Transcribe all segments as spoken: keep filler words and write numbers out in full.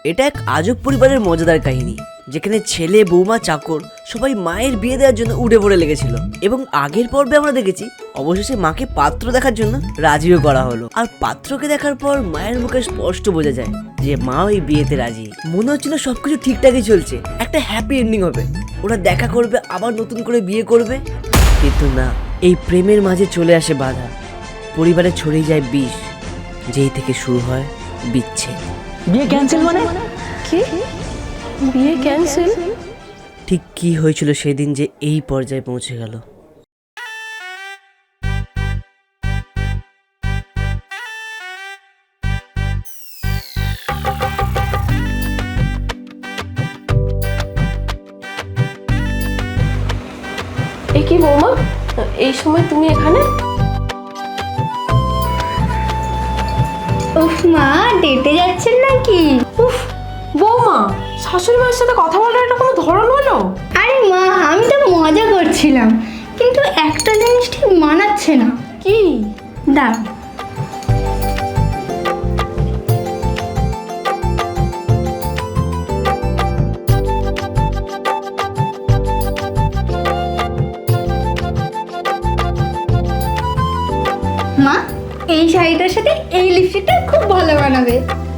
এটা এক আজব পরিবারের মজাদার কাহিনী, যেখানে ছেলে বৌমা চাকর সবাই মায়ের বিয়ে দেওয়ার জন্য উঠে পড়ে লেগেছিল। এবং আগের পর্বে আমরা দেখেছি অবশেষে মাকে পাত্র দেখার জন্য রাজিও করা হলো। আর পাত্রকে দেখার পর মায়ের মুখে স্পষ্ট বোঝা যায় যে মা ওই বিয়েতে রাজি। মনে হচ্ছিল সবকিছু ঠিকঠাকই চলছে, একটা হ্যাপি এন্ডিং হবে, ওরা দেখা করবে, আবার নতুন করে বিয়ে করবে। কিন্তু না, এই প্রেমের মাঝে চলে আসে বাধা, পরিবারে ছড়িয়ে যায় বিষ, যেই থেকে শুরু হয় বিচ্ছেদ। বিয়ে ক্যান্সেল মানে কি? বিয়ে ক্যান্সেল? ঠিক কি হয়েছিল সেদিন যে এই পর্যায়ে পৌঁছে গেল? এ কি বৌমা, এই সময় তুমি এখানে? উফ মা, ডেটে যাচ্ছেন নাকি? উফ বৌমা, শাশুড়ি মায়ের সাথে কথা বলার এটা কোনো ধরন হলো? আরে মা, আমি তো মজা করছিলাম, কিন্তু একটা জিনিস ঠিক মানাচ্ছে না। কি? দাঁড়াও। মা, এই শাড়িটার সাথে এই লিপস্টিকটা খুব ভালো বানাবে।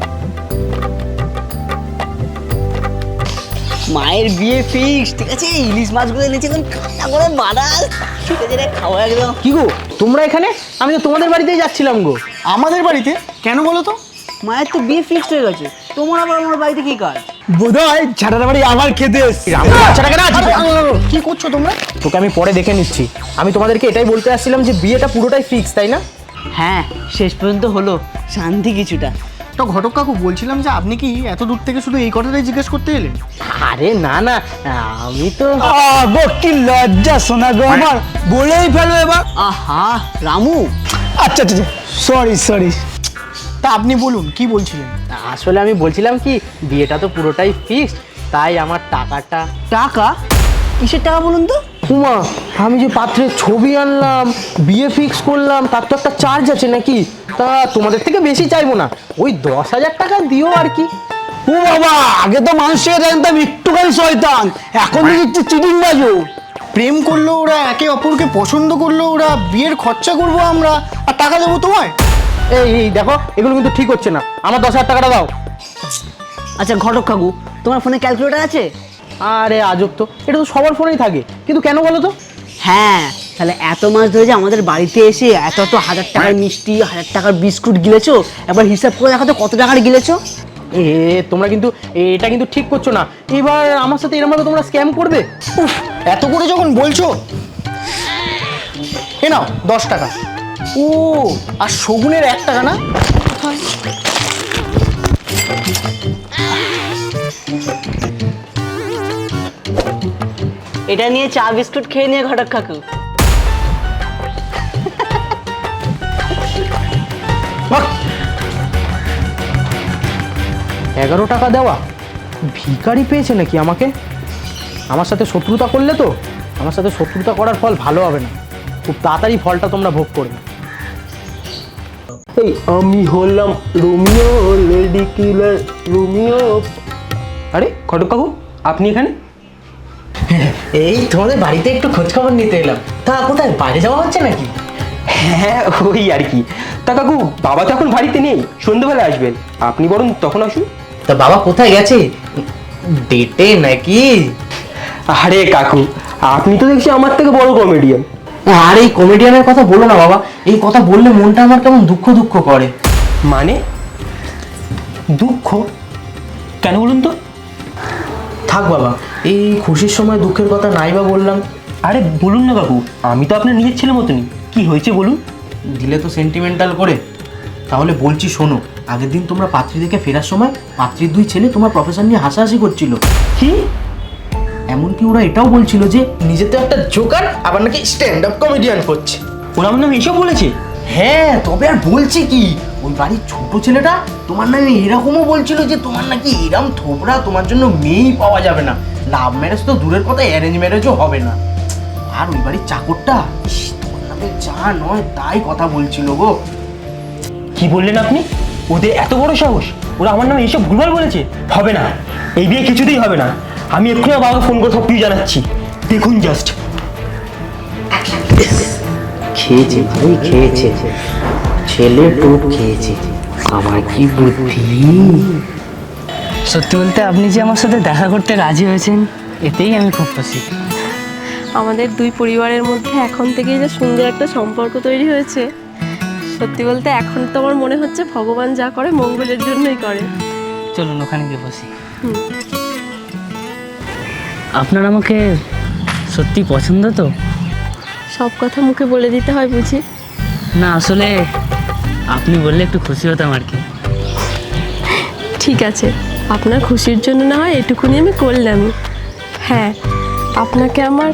মায়ের বিয়ে ফিক্স, ঠিক আছে? ইলিশ মাছগুলো এনেছি, এখন কান্না করে মারাল, ঠিক আছে রে, খাওয়া একদম। কি গো তোমরা এখানে? আমি তো তোমাদের বাড়িতেই যাচ্ছিলাম গো। আমাদের বাড়িতে কেন বলো তো? মায়ের তো বিয়ে ফিক্সড হয়ে গেছে, তোমার আবার আমার বাড়িতে কি কাজ? বোধহয় ঝাড়ার বাড়ি আমার খেতে এসছি। বাচ্চাটাকে না কি করছো তোমরা? তোকে আমি পরে দেখে নিচ্ছি। আমি তোমাদেরকে এটাই বলতে আসছিলাম যে বিয়েটা পুরোটাই ফিক্স, তাই না? হ্যাঁ, শেষ পর্যন্ত হলো, শান্তি কিছুটা। তো ঘটক কাকু, বলছিলাম যে আপনি কি এত দূর থেকে শুধু এই কথাটাই জিজ্ঞেস করতে এলেন? আরে না না, আমি তো গো, কি লজ্জা শোনা গো আমার, বলেই ফেলো এবার। আহা রামু, আচ্ছা আচ্ছা, সরি সরি। তা আপনি বলুন, কি বলছিলেন? আসলে আমি বলছিলাম কি, বিয়েটা তো পুরোটাই ফিক্সড, তাই আমার টাকাটা। টাকা? কিসের টাকা বলুন তো? উমা, আমি যে পাত্রের ছবি আনলাম, বিয়ে ফিক্স করলাম, তার তো একটা চার্জ আছে নাকি? তা তোমাদের থেকে বেশি চাইবো না, ওই দশ হাজার টাকা দিও আর কি। ও বাবা, আগে তো মানুষের জানতাম একটুখানি শয়তান, এখন দেখছি চিটিং বাজো। প্রেম করলো ওরা, একে অপরকে পছন্দ করলো ওরা, বিয়ের খরচা করবো আমরা, আর টাকা দেবো তোমায়? এই এই দেখো, এগুলো কিন্তু ঠিক হচ্ছে না, আমার দশ হাজার টাকাটা দাও। আচ্ছা ঘটক কাকু, তোমার ফোনে ক্যালকুলেটর আছে? আরে আজব তো, এটা তো সবার ফোনেই থাকে, কিন্তু কেন বলো তো? হ্যাঁ, তাহলে এত মাস ধরে যে আমাদের বাড়িতে এসে এত এত হাজার টাকার মিষ্টি, হাজার টাকার বিস্কুট গিলেছো, একবার হিসাব করে দেখো তো কত টাকার গিলেছো। এ তোমরা কিন্তু এটা কিন্তু ঠিক করছো না, এবার আমার সাথে এরকম ভাবে তোমরা স্ক্যাম করবে? উফ, এত করে যখন বলছো, এ নাও দশ টাকা। ও, আর শগুনের এক টাকা না? এটা নিয়ে চা বিস্কুট খেয়ে নিয়ে ঘটক কাকু। বাহ, এগারো টাকা দেওয়া? ভিখারি পেয়েছে নাকি আমাকে? আমার সাথে শত্রুতা করলে তো, আমার সাথে শত্রুতা করার ফল ভালো হবে না, খুব তাড়াতাড়ি ফলটা তোমরা ভোগ করবে। এই আমি হলাম রোমিও, লেডি কিলার রোমিও। আরে ঘটক কাকু, আপনি এখানে? এই তোমাদের বাড়িতে একটু খোঁজ খবর নিতে এলাম। তা কোথায়, বাইরে যাওয়া হচ্ছে নাকি? হ্যাঁ ওই আর কি। তা কাকু, বাবা তো এখন বাড়িতে নেই, সন্ধ্যেবেলা আসবেন, আপনি বরং তখন আসুন। তা বাবা কোথায় গেছে, ডেটে নাকি? আরে কাকু, আপনি তো দেখছি আমার থেকে বড় কমেডিয়ান। আর এই কমেডিয়ানের কথা বলো না বাবা, এই কথা বললে মনটা আমার কেমন দুঃখ দুঃখ করে। মানে দুঃখ? কেন বলুন তো? থাক বাবা, এই খুশির সময় দুঃখের কথা নাই বা বললাম। আরে বলুন না কাকু, আমি তো আপনার নিজের ছেলে মতনই, কি হয়েছে বলুন। দিলে তো সেন্টিমেন্টাল করে, তাহলে বলছি শোনো। আগের দিন তোমরা পাত্রী দেখে ফেরার সময় পাত্রীর দুই ছেলে তোমার প্রফেশন নিয়ে হাসাহাসি করছিল। কি? এমনকি ওরা এটাও বলছিল যে নিজে তো একটা জোকার, আবার নাকি স্ট্যান্ড আপ কমেডিয়ান করছে। ওরা আমার নামে এইসব বলেছে? হ্যাঁ, তবে আর বলছি কি, ওই বাড়ির ছোট ছেলেটা তোমার নামে এরকমও বলছিল যে তোমার নাকি এরম থোবরা, তোমার জন্য মেয়েই পাওয়া যাবে না, লাভ ম্যারেজ তো দূরের কথা, অ্যারেঞ্জ ম্যারেজও হবে না। আর ওই বাড়ির চাকরটা ইস, তোমার নামে যা নয় তাই কথা বলছিল গো। কি বললেন আপনি? ওদের এত বড় সাহস, ওরা আমার নামে এইসব ভুলভাল বলেছে। হবে না, এই বিয়ে কিছুতেই হবে না। আমি এক্ষুনি আমার বাবাকে ফোন করে সব কিছু জানাচ্ছি। দেখুন জাস্ট। খেয়েছে ভাই, খেয়েছে, ছেলে টোপ খেয়েছে। আমার কি বুদ্ধি! সত্যি বলতে আপনি যে আমার সাথে দেখা করতে রাজি হয়েছেন, এতেই আমি খুব খুশি। আমাদের দুই পরিবারের মধ্যে এখন থেকেই যে সুন্দর একটা সম্পর্ক তৈরি হয়েছে, সত্যি বলতে এখন তো আমার মনে হচ্ছে ভগবান যা করে মঙ্গলের জন্যই করে। চলুন ওখানে গিয়ে বসি। হুম। আপনার আমাকে সত্যি পছন্দ তো? সব কথা মুখে বলে দিতে হয় বুঝি? না আসলে আপনি বললে একটু খুশি হতাম আর কি। ঠিক আছে, আপনার খুশির জন্য না হয় এটুকুনি আমি করলামই। হ্যাঁ, আপনাকে আমার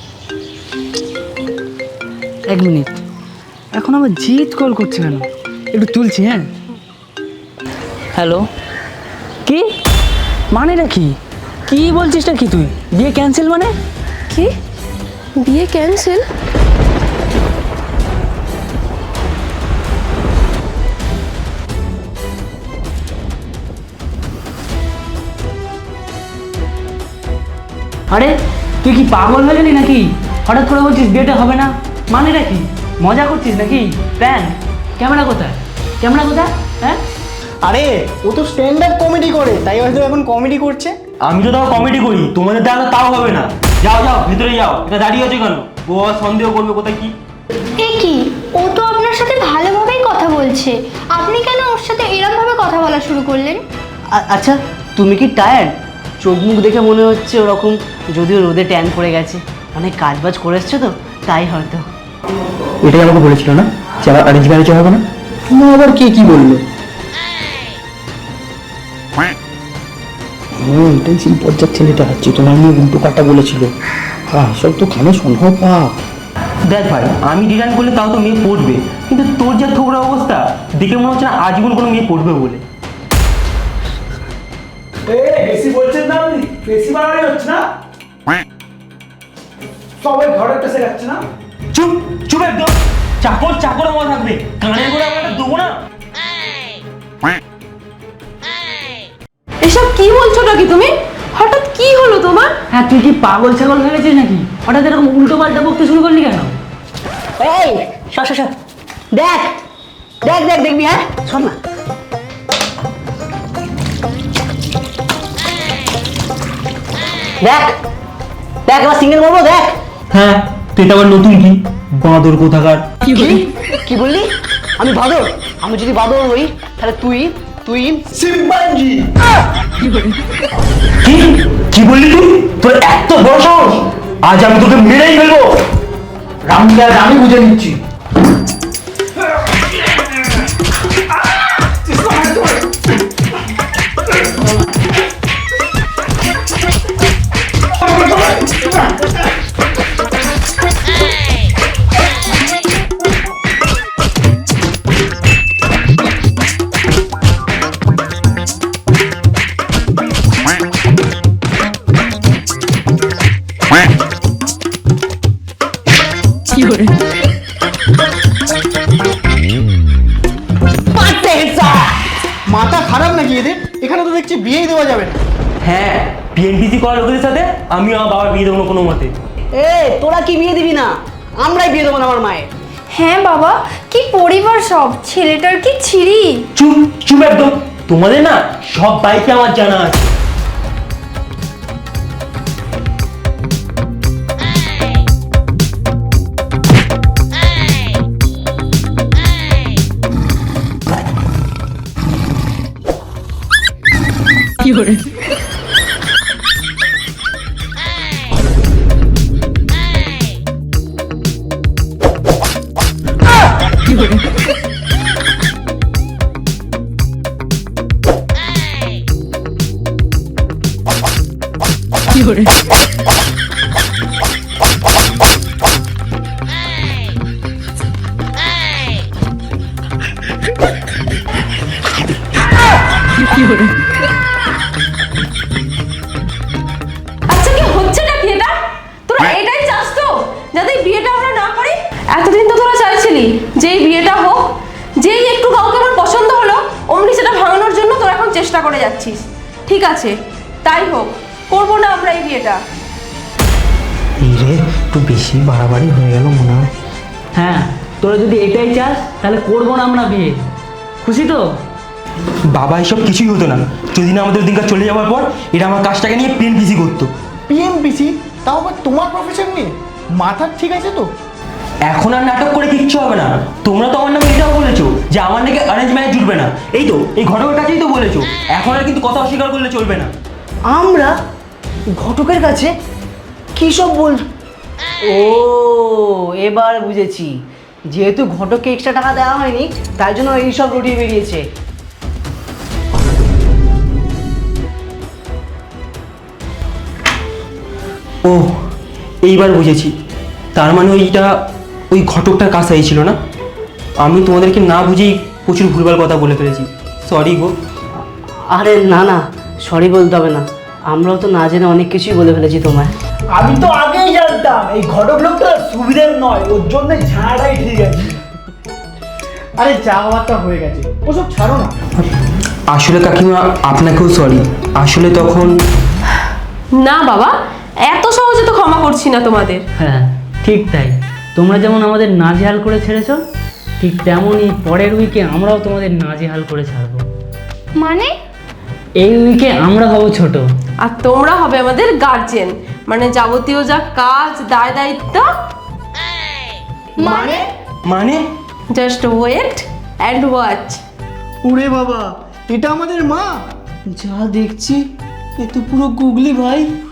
এক মিনিট, এখন আমার জিৎ কল করছে কেন? একটু তুলছি। হ্যাঁ, হ্যালো। কি মানেটা কি? কি বলছিসটা কি তুই? বিয়ে ক্যান্সেল মানে? কি বিয়ে ক্যান্সেল? আরে তুই কি পাগল হয়ে গেলি নাকি? হঠাৎ করে বলছিস বিয়েটা হবে না, মানেটা কি? মজা করছিস নাকি? প্ল্যান? ক্যামেরা কোথায়? ক্যামেরা কোথায়? হ্যাঁ, আরে ও তো স্ট্যান্ড আপ কমেডি করে, তাই হয়তো এখন কমেডি করছে। আমি তো তাও কমেডি করি, তোমাদের দ্বারা তাও হবে না। যাও যাও ভিতরে যাও, এটা দাঁড়িয়ে আছে কেন? ও আবার সন্দেহ করবে কোথায় কি। এ কি, ও তো আপনার সাথে ভালোভাবেই কথা বলছে, আপনি কেন ওর সাথে এরকম ভাবে কথা বলা শুরু করলেন? আ- আচ্ছা, তুমি কি টায়ার্ড? চোখ মুখ দেখে মনে হচ্ছে ওরকম, যদিও রোদে ট্যান পড়ে গেছে, অনেক কাজ বাজ করে এসছো তো, তাই হয়তো। এটাই আমাকে বলেছিল না যে আমার অ্যারেঞ্জ ম্যারেজ হবে না? তুমি আবার কে কি বললো? হুম, এটাই সেই পর্যার ছেলেটা হচ্ছে তোমার নিয়ে উল্টো কাটা বলেছিল। হ্যাঁ, সব তো খানে সম্ভব পা। দেখ ভাই, আমি ডিজাইন করলে তাও তো মেয়ে পড়বে, কিন্তু তোর যা থোবড়া অবস্থা দেখে মনে হচ্ছে না আজীবন কোনো মেয়ে পড়বে বলে। বেশি বলছেন না আপনি? বেশি বাড়াবাড়ি হচ্ছে না? সবাই ঘরে একটা শেখাচ্ছে না? চুপ চুপ একদম। চাকর চাকর মনে থাকবে, কানে করে আমরা দেবো না। এসব কি বলছো নাকি তুমি? হঠাৎ কি হলো তোমার? হ্যাঁ তুই কি পাগল ছাগল হয়ে গেছিস নাকি? হঠাৎ এরকম উল্টো পাল্টা বকতে শুরু করলি কেন? এই সর সর সর। দেখ দেখ দেখ দেখবি, হ্যাঁ শোন না। দেখ দেখ, এবার সিঙ্গেল করবো, দেখ। হ্যাঁ, তুই এটা আবার নতুন কি বাঁদর কোথাকার? কি কি বললি? আমি বাদর? আমি যদি বাদর হই তাহলে তুই তুই সিম্পাঞ্জি। কি কি বললি তুই? তোর এত বড় সাহস! আজ আমি তোকে মেরেই ফেলবো। রামকে আজ আমি বুঝে নিচ্ছি। মাথা খারাপ নাকি এদের? এখানে তো দেখছি বিয়েই দেওয়া যাবে না। হ্যাঁ, বিএনপিসি করা লোকেদের সাথে আমিও আমার বাবার বিয়ে দেবো না কোনো মতে। এ তোরা কি বিয়ে দিবি না? আমরাই বিয়ে দেবো না আমার মায়ের। হ্যাঁ বাবা, কি পরিবার সব, ছেলেটার কি ছিরি। চুপ চুপ একদম। তোমাদের না সব বাইকে আমার জানা আছে। আচ্ছা কি হচ্ছেটা কি এটা? তোরা এটাই চাস তো, যাতে এই বিয়েটা আমরা না করি? এতদিন তো তোরা চাইছিলি যে এই বিয়েটা হোক, যেই একটু কাউকে আমার পছন্দ হলো অমনি করে যাচ্ছিস। ঠিক আছে, তাই হোক, করবো না আমরা এই বিয়েটা। এই রে, একটু বেশি বাড়াবাড়ি হয়ে গেল মনে হয়। হ্যাঁ, তোরা যদি এটাই চাস তাহলে করবো না আমরা বিয়ে। খুশি তো? বাবা এসব কিছুই হতো না যদি না আমাদের দিনকার চলে যাওয়ার পর এরা আমার কাজটাকে নিয়ে পেন পিসি করতো। পিএমপিসি, তাও আবার তোমার প্রফেশন নিয়ে? মাথা ঠিক আছে তো? এখন আর নাটক করে কিচ্ছু হবে না। তোমরা তো আমার নামে এটাও বলেছো যে আমার নাকি অ্যারেঞ্জ ম্যারেজ জুটবে না। এই তো এই ঘটকের কাছেই তো বলেছো। এখন আর কিন্তু কথা অস্বীকার করলে চলবে না। আমরা ঘটকের কাছে কি সব বল? ও এবার বুঝেছি, যেহেতু ঘটককে এক্সট্রা টাকা দেওয়া হয়নি তাই জন্য এই সব রটিয়ে বেরিয়েছে। ও এইবার বুঝেছি, তার মানে ওইটা ওই ঘটকটার কাছেই ছিল না। আমি তোমাদেরকে না বুঝেই প্রচুর ভুলভাল কথা বলে ফেলেছি, সরি গো। আরে না না, সরি বলতে হবে না, আমরাও তো না জেনে অনেক কিছুই বলে ফেলেছি তোমায়। আমি তো আগেই জানতাম এই ঘটক লোকটা সুবিধের নয়, ওর জন্য ঝাড়াই ঠিক আছে। আরে যা হওয়ারটা হয়ে গেছে, ওসব ছাড়ো না। আসলে কাকিমা আপনাকেও সরি। আসলে তখন না বাবা, এত সহজে তো ক্ষমা করছি না তোমাদের। হ্যাঁ ঠিক তাই, তোমরা যেমন আমাদের নাজেহাল করে ছেড়েছো, ঠিক তেমনই পরের উইকে আমরাও তোমাদের নাজেহাল করে ছাড়বো। মানে? এই উইকে আমরা হব ছোট, আর তোমরা হবে আমাদের গার্জেন, মানে যাবতীয় যা কাজ দায় দায়িত্ব। মানে? মানে জাস্ট ওয়েট অ্যান্ড ওয়াচ। ওরে বাবা, এটা আমাদের মা! যা দেখছি এ তো পুরো গুগলি ভাই।